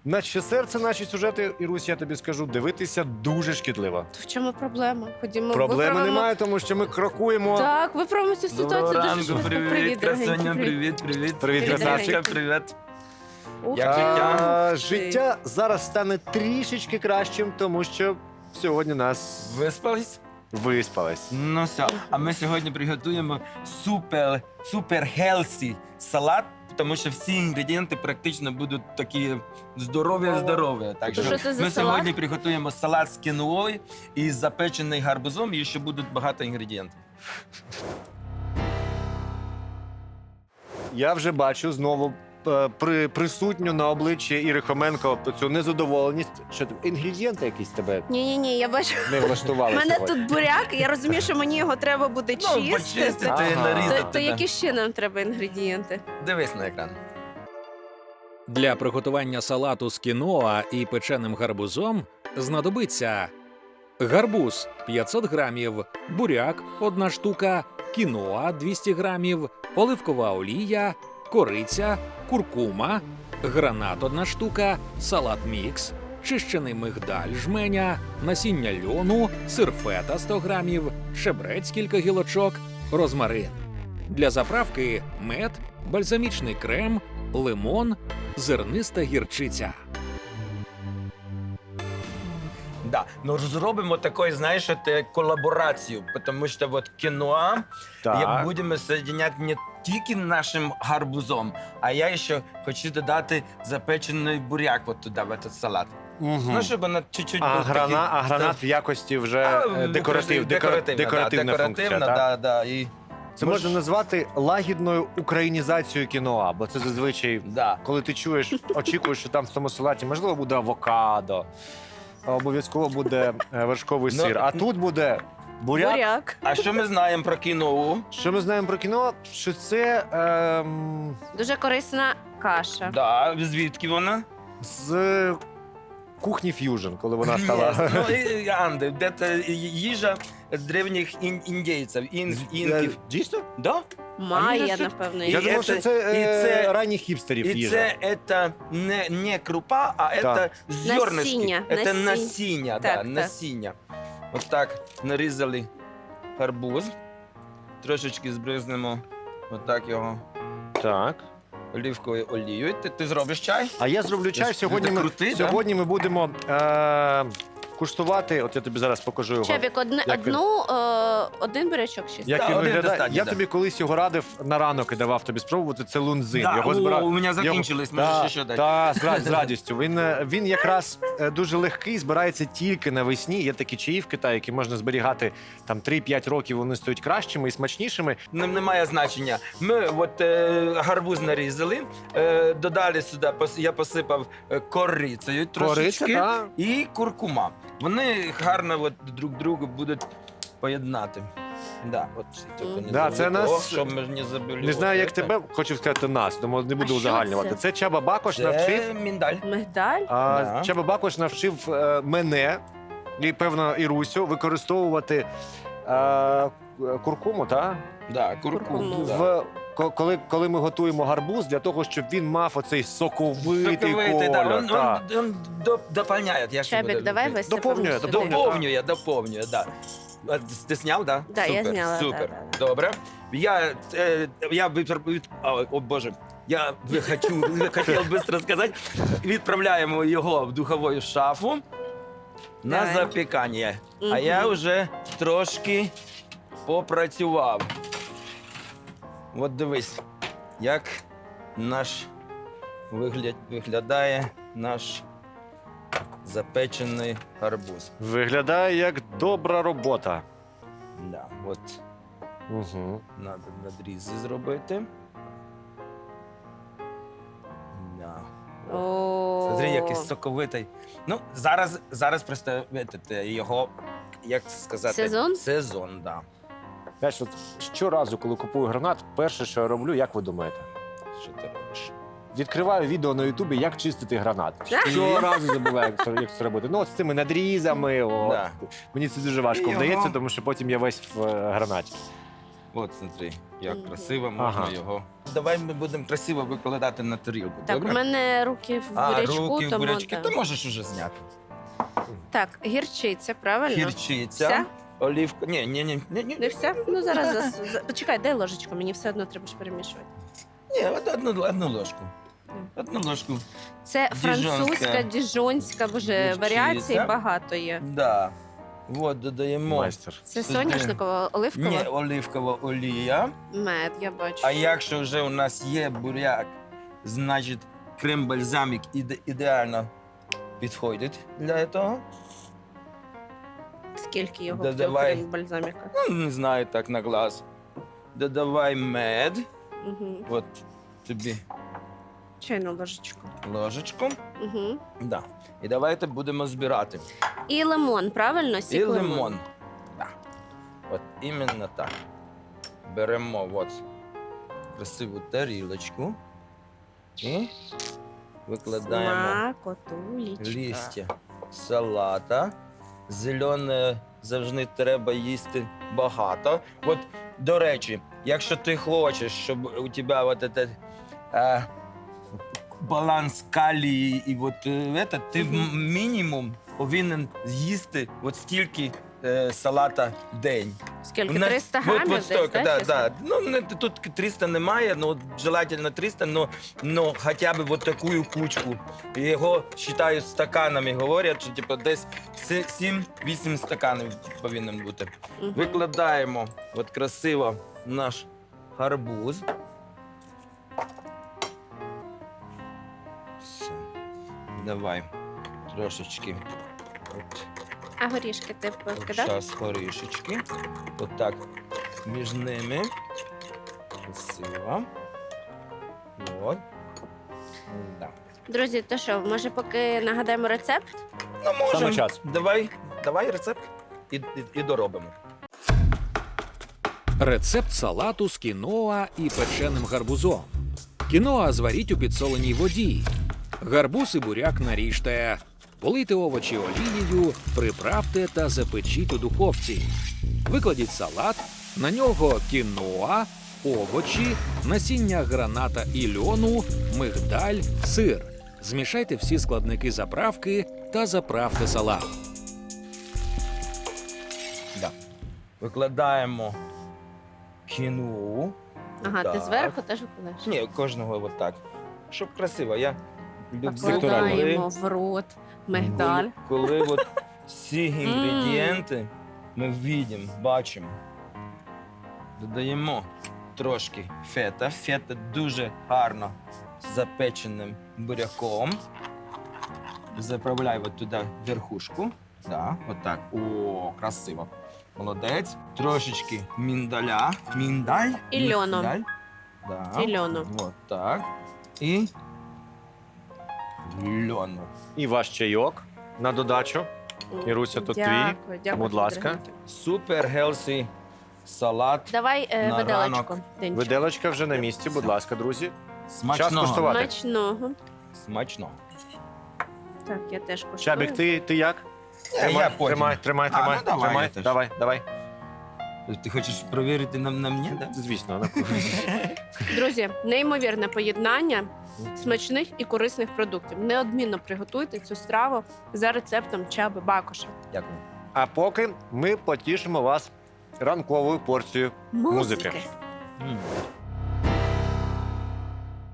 Наче серце, наші сюжети, Ірусь, я тобі скажу, дивитися дуже шкідливо. В чому проблема? Ходімо, Проблеми виправимо. немає, тому що ми крокуємо. Так, виправимо цю ситуацію Доброго дуже ранку, швидко. привіт, дорогенькі, красуня, привіт. привіт. Привіт, красавчик. Привіт. Ух Як ти. життя? Життя зараз стане трішечки кращим, тому що сьогодні нас Виспались? виспалось. Ну все, а ми сьогодні приготуємо супер хелсі салат, тому що всі інгредієнти практично будуть такі здорові. Так То що це за ми салат? сьогодні приготуємо салат з кіноою і з запечений гарбузом, і ще будуть багато інгредієнтів. Я вже бачу знову присутню на обличчі Іри Хоменко цю незадоволеність. Що ти, інгредієнти якісь тебе Ні, я бачу. не влаштували У мене сьогодні? тут буряк, і я розумію, що мені його треба буде чистити. Почистити, Ага. нарізати. То які ще нам треба інгредієнти? Дивись на екран. Для приготування салату з кіноа і печеним гарбузом знадобиться гарбуз 500 грамів, буряк 1 штука, кіноа 200 грамів, оливкова олія, кориця, куркума, гранат 1 штука, салат мікс, чищений мигдаль жменя, насіння льону, сир фета 100 грамів, шебрець кілька гілочок, розмарин. Для заправки мед, бальзамічний крем, лимон, зерниста гірчиця. Да, ну зробимо такой, знаєш, колаборацію, тому що вот кіноа Так. будемо соединять не тільки нашим гарбузом, а я ще хочу додати запечений буряк вот туди, в этот салат. Мгм. Ну, щоб вона чуть-чуть А був такий- гранат в якості вже декоративна декоративна функція, так? да. І Це можна назвати лагідною українізацією кіноа, бо це зазвичай, да. коли ти чуєш, очікуєш, що там в тому салаті, можливо, буде авокадо, обов'язково буде вершковий Ну, сир, а тут буде буряк. Буряк. А що ми знаємо про кіноу? Що ми знаємо про кіно? Що це Дуже корисна каша. Да, звідки вона? з кухні ф'южн, коли вона стала. Ну, і, Анди, це їжа древніх індійців, інків. Дійсно? Да? Майя, що- напевно. І Я думав, що це- це і це- ранніх хіпстерів І їжа. це не крупа, а це зернышки. Насіння, Це насіння. насіння, Так, да, так. насіння. От так нарізали гарбуз. Трошечки збризнемо отак його Так. олівковою олією. Ти зробиш чай? А я зроблю чай. Ти Сьогодні ми, крутий, да? сьогодні ми будемо куштувати. От я тобі зараз покажу його. Чебік, Як він- один бурячок ще. Як Да, він один виглядає? достатньо, Я да. тобі колись його радив на ранок і давав тобі спробувати. Це лунзин. Да, Його збирав. у мене закінчились, можеш ще дати. Так, з радістю. Він якраз дуже легкий, збирається тільки навесні. Є такі чаї в Китаї, які можна зберігати там 3-5 років, вони стають кращими і смачнішими. Немає значення. Ми от гарбуз нарізали, додали сюди, я посипав корицею трошечки так. і куркума. Вони гарно от друг другу будуть поєднати. Да, от, тільки не Да, це забудь. нас- О, щоб ми ж не забули. Не знаю, як Оце. тебе, хочу сказати нас, тому не буду що узагальнювати. це? Це Чаба Бакош навчив. Це міндаль. Мигдаль? Да. Чаба Бакош навчив мене і, певно, Ірусю використовувати куркуму, так? Да, Куркуму. куркуму. Да. Коли ми готуємо гарбуз, для того, щоб він мав оцей соковитий Соковитий, да, колір. так. він доповняє. Я ще Чебік, буду давай любити. висипемо Доповнює, сюди. Доповнює, да. А Ти зняв, да? Да, я Супер, зняла, Супер, да. добре. О Боже, я хотів швидко сказати. Відправляємо його в духову шафу на Давай. запікання. А Мгм. я вже трошки попрацював. От дивись, як наш виглядає наш запечений гарбуз. Виглядає як добра робота. Да, от Угу. треба надрізи зробити. Да. О. Смотри, який соковитий. Ну, зараз просто його, як це сказати? Сезон? Сезон, да. Знаєш, от щоразу, коли купую гранат, перше, що я роблю, як ви думаєте? Що ти робиш? Відкриваю відео на Ютубі, як чистити гранат. Да? Щоразу забуваю, як це робити. Ну, от з цими надрізами. От. Да. Мені це дуже важко Його- вдається, тому що потім я весь в гранаті. От, смотри, як Мгм. красиво можна Ага. його. Давай ми будемо красиво викладати на тарілку. Так, добре? у мене руки в бурячку, руки в тому бурячки, да. ти можеш уже зняти. Так, гірчиця, правильно? Гірчиця, Вся? олівка. Ні. Не все? Ну зараз почекай, дай ложечку, мені все одно треба ж перемішувати. Ні, одну ложку. Одну ложку. Це Діжонська. французька, діжонська, боже, Гірчиця. варіацій багато є. Да. От додаємо. Майстер. Це Сюди. соняшникова, оливкова? Ні, оливкова олія. Мед, я бачу. А якщо вже у нас є буряк, значить крем-бальзамік ідеально підходить для цього. Скільки його Додавай. в цього бальзаміка? Ну, не знаю, так на глаз. Додавай мед. Угу. От тобі Чайну ложечку. ложечку. Угу. Да. І давайте будемо збирати. І лимон, правильно? Сік І лимон. Да. От іменно так. Беремо от красиву тарілочку і викладаємо Смакотулечка. листя салата. Зелене завжди треба їсти багато. От, до речі, якщо ти хочеш, щоб у тебе от этот, баланс калії і от, ти мінімум повинен з'їсти от стільки салата в день. Скільки? У нас 300 от грамів десь, стільки, да, да, чесно? да. Ну, тут 300 немає, ну, желательно 300, но хоча б от таку кучку. Його вважають стаканами, говорять, що типу, десь 7-8 стаканів повинен бути. Мгм. Викладаємо от красиво наш гарбуз. Все. Давай трошечки. От. А горішки ти покидав? Зараз горішечки. Отак між ними. Красиво. От. Да. Друзі, то що, може поки нагадаємо рецепт? Ну, можемо. Саме час. Давай рецепт і доробимо. Рецепт салату з кіноа і печеним гарбузом. Кіноа зваріть у підсоленій воді. Гарбуз і буряк наріжте. Полийте овочі олією, приправте та запечіть у духовці. Викладіть салат, на нього кіноа, овочі, насіння граната і льону, мигдаль, сир. Змішайте всі складники заправки та заправте салат. Да. Викладаємо кіну. Ага, ти Так. зверху теж викладаєш? Ні, кожного отак. Щоб красиво. Я люблю, Покладаємо в рот мигдаль. коли от всі інгредієнти ми бачимо. Додаємо трошки фета. Фета дуже гарно з запеченим буряком. Заправляю от туди верхушку. Да, отак. О, красиво. Молодець. Трошечки міндаля. Міндаль. І льону. Міндаль. Да. І льону. От так. І льону. І ваш чайок на додачу. Іруся, тут Дякую, дякую. Будь ласка. дорогенькі. Супер гелсі салат. Давай На виделочку. ранок. Денчик. Виделочка вже на місці, будь ласка, друзі. Смачного. куштувати. Смачного. Смачно. Так, я теж куштую. Чабік, ти як? Я потім. Тримай. А, ну, давай, тримай. я теж. Давай. Ти хочеш перевірити на мені, так? Да? Звісно, на Друзі, неймовірне поєднання смачних і корисних продуктів. Неодмінно приготуйте цю страву за рецептом Чаби Бакоша. Дякую. А поки ми потішимо вас ранковою порцією музики. Музики. М.